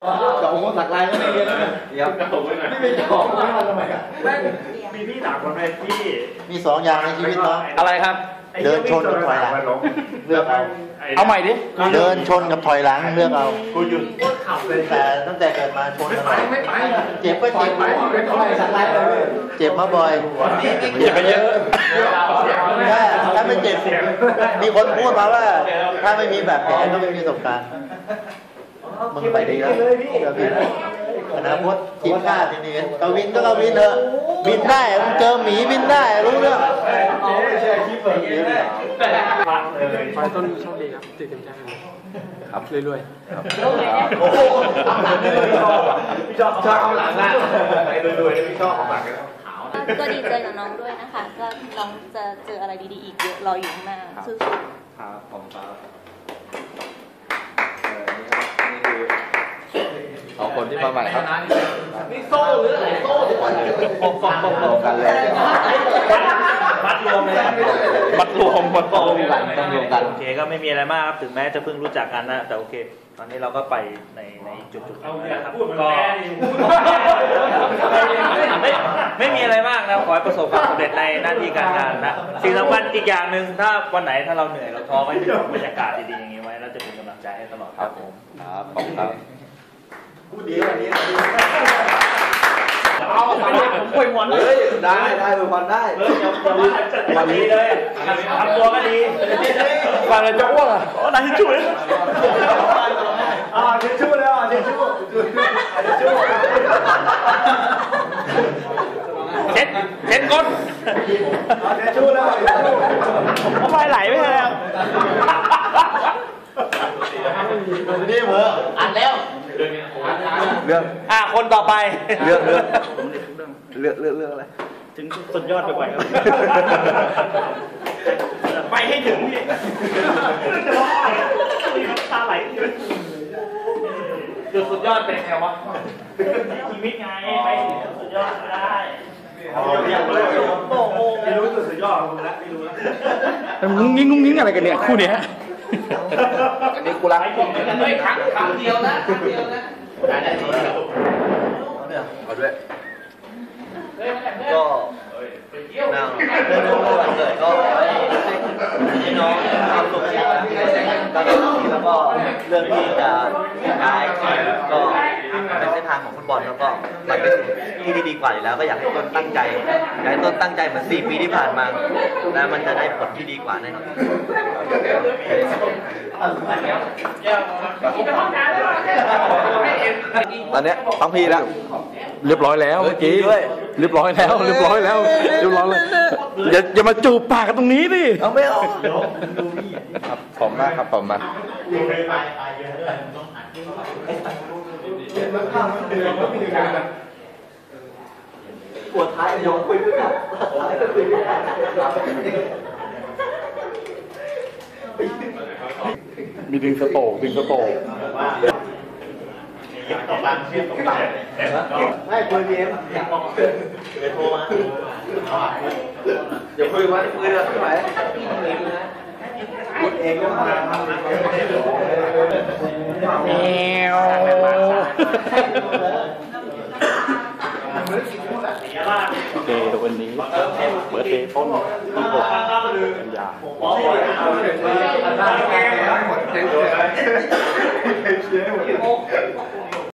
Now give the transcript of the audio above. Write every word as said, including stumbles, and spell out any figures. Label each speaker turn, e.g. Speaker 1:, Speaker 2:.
Speaker 1: เจาะหัวสักลายก็ไม่เรียนแล้วเนี่ยเดี๋ยวไม่ไปเจาะไม่มาทำไมอ่ะมีพี่หนักกว่าไหมพี่มีสองอย่างในชีวิตเนาะ
Speaker 2: อะไรครับ
Speaker 1: เดินชนกับถอยหลังเลือกเอา
Speaker 2: เอาใหม่ดิ
Speaker 1: เดินชนกับถอยหลังเลือกเอากูหยุดแต่ตั้งแต่เกิดมาชนกันไม่ไปเจ็บก็เจ็บเจ็บมาบ่อย
Speaker 2: เจ็บไปเยอะ
Speaker 1: ถ้าถ้าไม่เจ็บมีคนพูดมาว่าถ้าไม่มีแบบแผลก็ไม่มีประสบการณ์มึงไปดีแล้วกวินอนาคตกินข้าทีนี้กวินก็กวินเถอะบินได้มึงเจอหมีบินได้รู้เรื่องไม่ใช่คลิปแบบนี้
Speaker 3: ไฟต้นโชคดีครับติดเต็มใจเลยครับเรื่อยๆครับ
Speaker 1: โอ้โหพี่ชอบชอบเอาหลังนะไปเรื่อยๆพี่ชอบเอาหลัง
Speaker 4: ก็ดีใจกับน้องด้วยนะคะก็น้องจะเจออะไรดีๆอีกเยอะรออยู่ข้างหน้าสู้ๆ
Speaker 2: ครับผมครับสองคนที่มาใหม่ครับ
Speaker 1: นี่โซ่หรืออะไรโซ่ทุกคน
Speaker 2: ปกป้องปกป้องกันเลย
Speaker 1: มัดรวมเลย
Speaker 2: มัดรวมมัดรวมกันต้องรวมกัน
Speaker 5: โอเคก็ไม่มีอะไรมากครับถึงแม้จะเพิ่งรู้จักกันนะแต่โอเคตอนนี้เราก็ไปในในจุดจุดก็ไม่ไม่มีอะไรมากนะขอให้ประสบความสำเร็จในหน้าที่การงานนะสิ่งสำคัญอีกอย่างหนึ่งถ้าวันไหนถ้าเราเหนื่อยเราท้อไว้บรรยากาศดีๆอย่างนี้ไว้เราจะเป็นกำลังใจให้ตลอดครับผม
Speaker 2: ครับขอบคุณครับ
Speaker 1: พูดดีวันนี้
Speaker 5: เอาไปผมคุยหมดเลย
Speaker 1: ได้ได้คุยหมดได้
Speaker 5: วันนี้เลยทำตัวก็ดี
Speaker 2: ฟังแล้วจะอ้วกอ่ะ
Speaker 5: อ๋อนายช่วย
Speaker 1: อ่าเชชูแล้วเชชูเชชู
Speaker 5: เช็ดเช็ดก้น
Speaker 1: เชชูแล้ว
Speaker 5: ทำไมไหลไม่เลย
Speaker 1: นี่เหรออัดแล้ว
Speaker 2: เรื่อง
Speaker 5: อ่ะคนต่อไป
Speaker 2: เรื่องเรื่องเรื่องเรื่องเรื่องอะไร
Speaker 5: ถึงสุดยอดไปไปครับไปให้ถึงนี่จะร้องไห้ตาไหลจุดสุดยอดเป็นไงวะชีวิตไงไปสุดยอดได้
Speaker 1: โอ้โหไม่รู้จุดสุดยอดของมึงแล้วไม่รู้แล้ว
Speaker 2: งุ้งงิ้งงุ้งงิ้งอะไรกันเนี่ยคู่เนี้ยอันนี้กูรัก
Speaker 5: ไม่ครั้งครั้งเดียวนะครั้งเดียวนะได้ได้ดี
Speaker 2: เอาด้วย
Speaker 1: ก็นั่งเรื่องวันเกิดก็ให้น้องความสุขแล้วก็เรื่องที่จะย้ายก็เป็นเส้นทางของฟุตบอลแล้วก็มันเป็นที่ที่ดีกว่าอยู่แล้วก็อยากให้ต้นตั้งใจอยากให้ต้นตั้งใจเหมือนสี่ปีที่ผ่านมาแล้วมันจะได้ผลที่ดีกว่าแน่นอน
Speaker 2: ตอนนี้ฟังพี่แล้วเรียบร้อยแล้วเมื่อกี้เรียบร้อยแล้วเรียบร้อยแล้วเรียบร้อยเลยอย่าอย่ามาจูบปากกันตรงนี้ดิ
Speaker 1: เอาไม่เอา
Speaker 2: ครับผมมากครับผมมา
Speaker 1: ปวดท้ายยอมคุยด้วยกัน
Speaker 2: มีดึงสโตกดึงสโตก
Speaker 1: ต่อมาเชื่อมต่อมาให้คุยเอ็มเดี๋ยวโทรมาเดี๋ยวคุยวันคุยแล้วไม่ไหวพูดเองก็มา
Speaker 2: แมวโอเควันนี้เบิร์ดเดย์ต้นที่หกกันยา
Speaker 1: โอ้